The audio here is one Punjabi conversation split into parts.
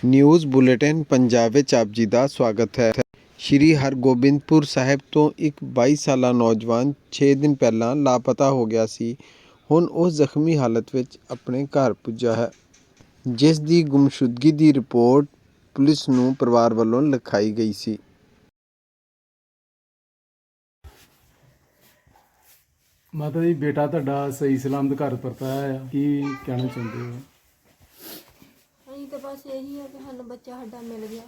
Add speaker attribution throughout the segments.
Speaker 1: ਨਿਊਜ਼ ਬੁਲੇਟਿਨ ਪੰਜਾਬ ਵਿੱਚ ਆਪ ਜੀ ਦਾ ਸਵਾਗਤ ਹੈ। ਸ਼੍ਰੀ ਹਰਗੋਬਿੰਦਪੁਰ ਸਾਹਿਬ ਤੋਂ ਇੱਕ 22 ਸਾਲਾ ਨੌਜਵਾਨ 6 ਦਿਨ ਪਹਿਲਾਂ ਲਾਪਤਾ ਹੋ ਗਿਆ ਸੀ। ਹੁਣ ਉਹ ਜ਼ਖਮੀ ਹਾਲਤ ਵਿੱਚ ਆਪਣੇ ਘਰ ਪੁੱਜਾ ਹੈ, ਜਿਸ ਦੀ ਗੁੰਮਸ਼ੁਦਗੀ ਦੀ ਰਿਪੋਰਟ ਪੁਲਿਸ ਨੂੰ ਪਰਿਵਾਰ ਵੱਲੋਂ ਲਿਖਾਈ ਗਈ ਸੀ।
Speaker 2: ਮਾਤਾ ਜੀ, ਬੇਟਾ ਤੁਹਾਡਾ ਸਹੀ ਸਲਾਮਤ ਘਰ ਪਰਤਾ ਆ, ਕੀ ਕਹਿਣਾ ਚਾਹੁੰਦੇ ਹੋ?
Speaker 3: ਅਸੀਂ ਤਾਂ ਬਸ ਇਹੀ ਹੈ ਕਿ ਸਾਨੂੰ ਬੱਚਾ ਸਾਡਾ ਮਿਲ ਗਿਆ।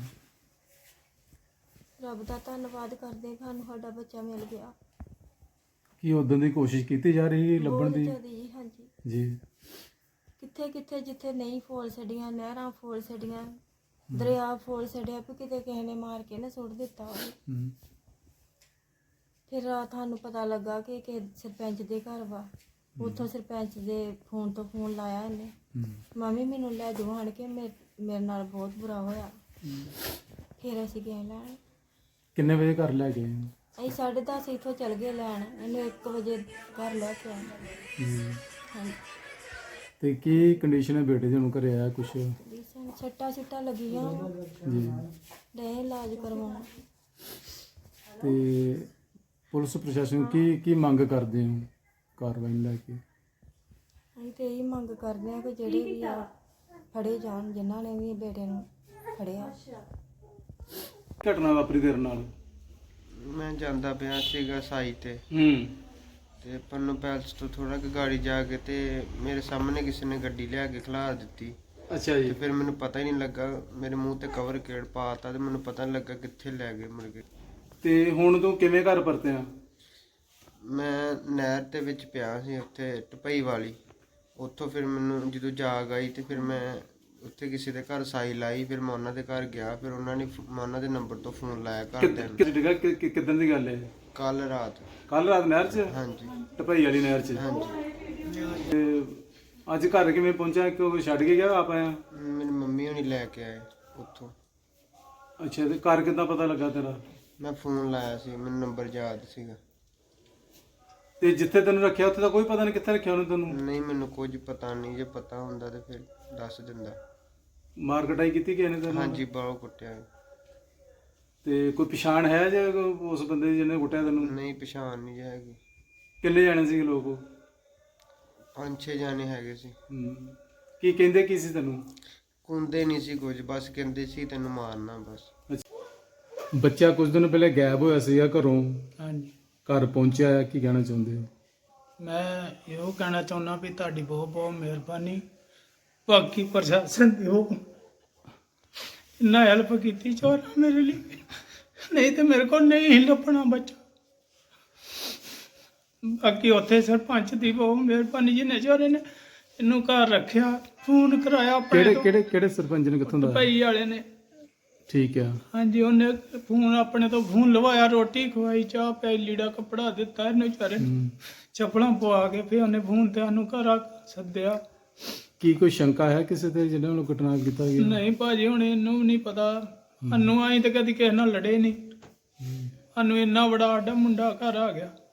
Speaker 3: ਰੱਬ ਦਾ ਧੰਨਵਾਦ ਕਰਦੇ ਹਾਂ, ਸਾਨੂੰ ਸਾਡਾ ਬੱਚਾ ਮਿਲ ਗਿਆ।
Speaker 2: ਕੀ ਉਦੋਂ ਦੀ ਕੋਸ਼ਿਸ਼ ਕੀਤੀ ਜਾ ਰਹੀ ਲੱਭਣ ਦੀ?
Speaker 3: ਬਹੁਤ ਜ਼ਿਆਦਾ ਜੀ, ਹਾਂਜੀ
Speaker 2: ਜੀ।
Speaker 3: ਕਿੱਥੇ ਕਿੱਥੇ ਜਿੱਥੇ ਨਹੀਂ ਫੋਲ ਛੱਡੀਆਂ, ਨਹਿਰਾਂ ਫੋਲ ਛੱਡੀਆਂ, ਦਰਿਆ ਫੋਲ ਛੱਡਿਆ ਵੀ ਕਿਤੇ ਕਿਸੇ ਨੇ ਮਾਰ ਕੇ ਨਾ ਸੁੱਟ ਦਿੱਤਾ ਹੋਵੇ। ਫਿਰ ਰਾਤ ਸਾਨੂੰ ਪਤਾ ਲੱਗਾ ਕਿ ਸਰਪੰਚ ਦੇ ਘਰ ਵਾ। ਉੱਥੋਂ ਸਰਪੰਚ ਦੇ ਫੋਨ ਤੋਂ ਫੋਨ ਲਾਇਆ ਇਹਨੇ, ਮੰਮੀ ਮੈਨੂੰ ਲੈ ਜਾਓ ਆਣ ਕੇ, ਮੇਰੇ ਨਾਲ ਬਹੁਤ ਬੁਰਾ ਹੋਇਆ। ਫਿਰ ਅਸੀਂ ਗਏ ਲੈਣ।
Speaker 2: ਕਿੰਨੇ ਵਜੇ ਘਰ ਲੈ ਗਏ?
Speaker 3: ਅਸੀਂ 10:30 ਇੱਥੋਂ ਚਲ ਗਏ ਲੈਣ, ਇਹਨੂੰ 1 ਵਜੇ ਘਰ ਲੈ ਕੇ ਆਏ। ਹਾਂਜੀ।
Speaker 2: ਤੇ ਕੀ ਕੰਡੀਸ਼ਨ ਹੈ ਬੇਟੇ ਦੀ? ਹੁਣ ਘਰੇ ਆਇਆ ਕੁਛ?
Speaker 3: ਜੀ ਸਾਨੂੰ ਛੱਟਾਂ ਲੱਗੀਆਂ
Speaker 2: ਜੀ।
Speaker 3: ਡੇ ਇਲਾਜ ਕਰਵਾਉਣ।
Speaker 2: ਤੇ ਪੁਲਿਸ ਪ੍ਰਸ਼ਾਸਨ ਕੀ ਮੰਗ ਕਰਦੇ ਹੋ ਕਾਰਵਾਈ ਨੂੰ ਲੈ ਕੇ?
Speaker 3: ਅਸੀਂ ਤੇ ਇਹੀ ਮੰਗ ਕਰਦੇ ਹਾਂ ਕਿ ਜਿਹੜੇ ਵੀ ਆ ਫੜੇ ਜਾਣ, ਜਿਨ੍ਹਾਂ ਨੇ ਵੀ ਬੇਟੇ ਨੂੰ ਫੜਿਆ।
Speaker 2: ਘਟਨਾ ਵਾਪਰੀ ਤੇਰੇ ਨਾਲ?
Speaker 1: ਮੈਂ ਜਾਂਦਾ ਪਿਆ ਸੀਗਾ ਸਾਈ ਤੇ ਪੰਨੂ ਪੈਲਸ ਤੋਂ ਥੋੜਾ ਕੁ ਗਾੜੀ ਜਾ ਕੇ ਤੇ ਮੇਰੇ ਸਾਹਮਣੇ ਕਿਸੇ ਨੇ ਗੱਡੀ ਲਿਆ ਕੇ ਖਿਲਾਰ ਦਿੱਤੀ।
Speaker 2: ਅੱਛਾ ਜੀ।
Speaker 1: ਤੇ ਫਿਰ ਮੈਨੂੰ ਪਤਾ ਹੀ ਨਹੀਂ ਲੱਗਾ, ਮੇਰੇ ਮੂੰਹ ਤੇ ਕਵਰ ਕਿਹੜ ਪਾਤਾ ਤੇ ਮੈਨੂੰ ਪਤਾ ਨਹੀਂ ਲੱਗਾ ਕਿੱਥੇ ਲੈ ਗਏ ਮੁੜ ਕੇ।
Speaker 2: ਤੇ ਹੁਣ ਤੂੰ ਕਿਵੇਂ ਘਰ ਪਰਤਿਆ?
Speaker 1: ਮੈਂ ਨਹਿਰ ਦੇ ਵਿੱਚ ਪਿਆ ਸੀ ਉੱਥੇ ਢਪਈ ਵਾਲੀ। ਉੱਥੋਂ ਫਿਰ ਮੈਨੂੰ ਜਦੋਂ ਜਾਗ ਆਈ ਤੇ ਫਿਰ ਮੈਂ ਉੱਥੇ ਕਿਸੇ ਦੇ ਘਰ ਸਾਈ ਲਾਈ। ਫਿਰ ਮੈਂ ਉਹਨਾਂ ਦੇ ਘਰ ਗਿਆ, ਫਿਰ ਉਹਨਾਂ ਨੇ ਮੈਂ ਉਹਨਾਂ ਦੇ ਨੰਬਰ ਤੋਂ ਫੋਨ ਲਾਇਆ ਘਰਦਿਆਂ ਨੂੰ।
Speaker 2: ਕਿੱਦਣ ਦੀ ਗੱਲ ਹੈ?
Speaker 1: ਕੱਲ ਰਾਤ
Speaker 2: ਨਹਿਰ 'ਚ?
Speaker 1: ਹਾਂਜੀ।
Speaker 2: ਢਪਈ ਵਾਲੀ ਨਹਿਰ 'ਚ?
Speaker 1: ਹਾਂਜੀ।
Speaker 2: ਤੇ ਅੱਜ ਘਰ ਕਿਵੇਂ ਪਹੁੰਚਿਆ? ਕਿਉਂ ਛੱਡ ਕੇ ਗਿਆ ਆਪ ਆਇਆ?
Speaker 1: ਮੇਰੀ ਮੰਮੀ ਹੋਣੀ ਲੈ ਕੇ ਆਏ ਉੱਥੋਂ।
Speaker 2: ਅੱਛਾ। ਤੇ ਘਰ ਕਿੱਦਾਂ ਪਤਾ ਲੱਗਾ ਤੇਰਾ?
Speaker 1: ਮੈਂ ਫੋਨ ਲਾਇਆ ਸੀ, ਮੈਨੂੰ ਨੰਬਰ ਯਾਦ ਸੀਗਾ।
Speaker 2: ਤੇ ਜਿੱਥੇ ਤੈਨੂੰ ਰੱਖਿਆ ਉੱਥੇ ਤਾਂ ਕੋਈ ਪਤਾ ਨਹੀਂ ਕਿੱਥੇ ਰੱਖਿਆ ਉਹਨੇ ਤੈਨੂੰ?
Speaker 1: ਨਹੀਂ, ਮੈਨੂੰ ਕੁਝ ਪਤਾ ਨਹੀਂ। ਜੇ ਪਤਾ ਹੁੰਦਾ ਤੇ ਫਿਰ ਦੱਸ ਦਿੰਦਾ।
Speaker 2: ਮਾਰ ਕਟਾਈ ਕੀਤੀ ਕਿਸੇ ਨੇ ਤੈਨੂੰ?
Speaker 1: ਹਾਂਜੀ, ਬਾਹੋਂ ਕੁੱਟਿਆ।
Speaker 2: ਤੇ ਕੋਈ ਪਛਾਣ ਹੈ ਜੇ ਉਸ ਬੰਦੇ ਦੀ ਜਿਹਨੇ ਕੁੱਟਿਆ ਤੈਨੂੰ?
Speaker 1: ਨਹੀਂ, ਪਛਾਣ ਨਹੀਂ ਹੈਗੀ।
Speaker 2: ਕਿੰਨੇ ਜਾਣੇ ਸੀ ਲੋਕ ਉਹ?
Speaker 1: 5-6 ਜਾਣੇ ਹੈਗੇ ਸੀ।
Speaker 2: ਕੀ ਕਹਿੰਦੇ ਕੀ ਸੀ ਤੈਨੂੰ?
Speaker 1: ਕੁੰਦੇ ਨਹੀਂ ਸੀ ਕੁਝ, ਬਸ ਕਹਿੰਦੇ ਸੀ ਤੈਨੂੰ ਮਾਰਨਾ ਬਸ।
Speaker 2: ਬੱਚਾ ਕੁਝ ਦਿਨ ਪਹਿਲੇ ਗਾਇਬ ਹੋਇਆ ਸੀਗਾ ਘਰੋਂ।
Speaker 4: ਹਾਂਜੀ।
Speaker 2: ਘਰ ਪਹੁੰਚਿਆ, ਕੀ ਕਹਿਣਾ ਚਾਹੁੰਦੇ ਹੋ?
Speaker 4: ਮੈਂ ਇਹੋ ਕਹਿਣਾ ਚਾਹੁੰਦਾ ਵੀ ਤੁਹਾਡੀ ਬਹੁਤ ਬਹੁਤ ਮਿਹਰਬਾਨੀ। ਬਾਕੀ ਪ੍ਰਸ਼ਾਸਨ ਦੀ ਉਹ ਇੰਨਾ ਹੈਲਪ ਕੀਤੀ ਚੋਰਾਂ ਮੇਰੇ ਲਈ, ਨਹੀਂ ਤੇ ਮੇਰੇ ਕੋਲ ਨਹੀਂ ਸੀ ਲੱਭਣਾ ਬੱਚਾ। ਬਾਕੀ ਉੱਥੇ ਸਰਪੰਚ ਦੀ ਬਹੁਤ ਮਿਹਰਬਾਨੀ, ਜਿਹਨੇ ਚੋਰੇ ਨੇ ਇਹਨੂੰ ਘਰ ਰੱਖਿਆ, ਫੋਨ ਕਰਾਇਆ ਆਪਣੇ ਤੋਂ।
Speaker 2: ਕਿਹੜੇ ਸਰਪੰਚ ਨੇ? ਕਿੱਥੋਂ ਦਾ?
Speaker 4: ਭਾਈ ਵਾਲੇ ਨੇ।
Speaker 2: ਠੀਕ ਆ।
Speaker 4: ਹਾਂਜੀ, ਉਹਨੇ ਫੋਨ ਆਪਣੇ ਤੋਂ ਫੋਨ ਲਵਾਇਆ, ਰੋਟੀ ਖਵਾਈ, ਚਾਹ ਪਿਆਈ, ਲੀੜਾ ਕੱਪੜਾ ਦਿੱਤਾ ਇਹਨੂੰ ਵਿਚਾਰੇ ਨੂੰ, ਚੱਪਲਾਂ ਪਵਾ ਕੇ। ਫਿਰ ਉਹਨੇ ਫੋਨ ਤੇ ਸਾਨੂੰ ਘਰ ਸੱਦਿਆ।
Speaker 2: ਕੀ ਕੋਈ ਸ਼ੰਕਾ ਹੈ ਕਿਸੇ ਤੇ ਜਿਹਨਾਂ ਨੂੰ ਘਟਨਾ ਕੀਤਾ ਗਿਆ?
Speaker 4: ਨਹੀਂ ਭਾਜੀ, ਹੁਣ ਇਹਨੂੰ ਵੀ ਨਹੀਂ ਪਤਾ। ਸਾਨੂੰ ਆਈ ਤਾਂ ਕਦੀ ਕਿਸੇ ਨਾਲ ਲੜੇ ਨਹੀਂ। ਸਾਨੂੰ ਇੰਨਾ ਬੜਾ ਸਾਡਾ ਮੁੰਡਾ ਘਰ ਆ ਗਿਆ।